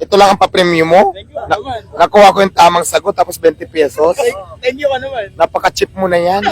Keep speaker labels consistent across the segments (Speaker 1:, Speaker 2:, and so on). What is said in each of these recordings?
Speaker 1: Ito lang ang pa-premium mo?
Speaker 2: Thank you naman.
Speaker 1: Nakuha ko yung tamang sagot tapos 20 pesos.
Speaker 2: Thank you ka naman.
Speaker 1: Napaka-cheap mo na yan.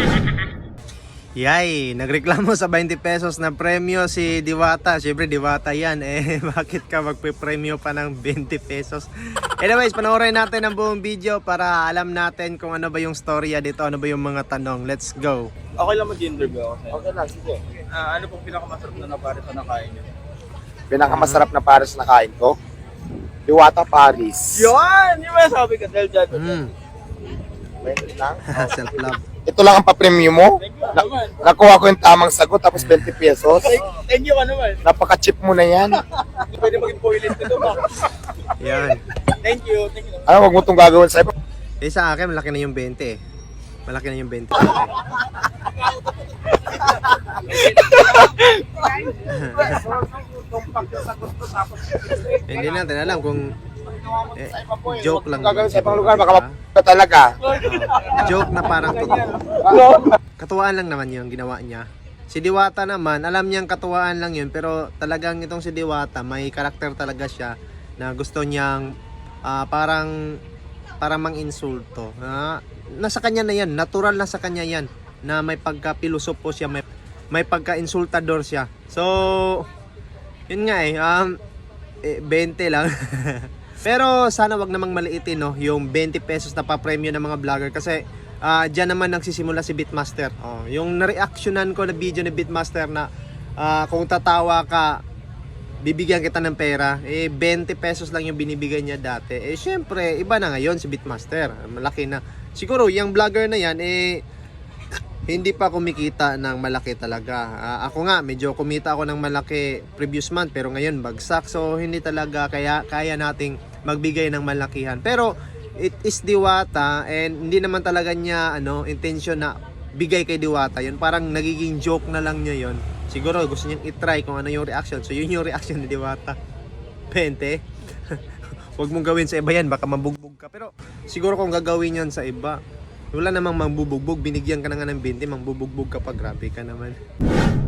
Speaker 3: Yay! Nagreklamo sa 20 pesos na premyo si Diwata. Siyempre, Diwata yan. Bakit ka magpe-premyo pa ng 20 pesos? Anyways, panoorin natin ang buong video para alam natin kung ano ba yung storya dito, ano ba yung mga tanong. Let's go!
Speaker 2: Okay lang mag-interview ako sa'yo.
Speaker 1: Okay lang, sige.
Speaker 2: Ano pong pinakamasarap na napares na nakain niyo?
Speaker 1: Pinakamasarap na pares na kain ko? Diwata Paris.
Speaker 2: Yun! Yung masabi ka dahil dyan.
Speaker 1: Wait lang.
Speaker 3: Self-love.
Speaker 1: Ito lang ang pa-premium mo?
Speaker 2: Thank you naman.
Speaker 1: Nakuha ko yung tamang sagot tapos 20 pesos.
Speaker 2: Thank you ka naman.
Speaker 1: Napaka-cheap mo na yan.
Speaker 2: Pwede maging toilet nito ba?
Speaker 3: Yan.
Speaker 2: Thank you. Thank you.
Speaker 1: Ano, wag mo itong gagawin sa'yo.
Speaker 3: Sa akin, malaki na yung 20 eh. Malaki na yung 20. Hindi natin alam kung joke lang.
Speaker 1: Gagawin sa ibang lugar, baka mapaka talaga.
Speaker 3: Joke na parang totoo. Katuwaan lang naman yung ginawa niya. Si Diwata naman, alam niyang katuwaan lang yun, pero talagang itong si Diwata, may karakter talaga siya na gusto niyang parang mang-insulto. Nasa kanya na yan, natural na sa kanya yan, na may pagka-pilosopo siya, may pagka-insultador siya. So, yun nga 20 lang. Pero sana wag namang maliitin no, yung 20 pesos na pa-premyo ng mga vlogger kasi diyan naman nagsisimula si Beatmaster. Yung na-reactionan ko na video ni Beatmaster na kung tatawa ka, bibigyan kita ng pera. 20 pesos lang yung binibigay niya dati. Syempre, iba na ngayon si Beatmaster. Malaki na. Siguro, yung vlogger na yan, hindi pa kumikita ng malaki talaga. Ako nga, medyo kumita ako ng malaki previous month, pero ngayon bagsak. So, hindi talaga kaya nating magbigay ng malakihan. Pero, it is Diwata and hindi naman talaga niya intention na bigay kay Diwata. Yun parang nagiging joke na lang niya yun. Siguro gusto niyang i-try kung ano yung reaction. So, yun yung reaction ni Diwata. 20. Huwag mong gawin sa iba yan, baka mabugbog ka. Pero, siguro kung gagawin yan sa iba, wala namang mambubugbog, binigyan ka na nga ng 20, mambubugbog ka pa, grabe ka naman.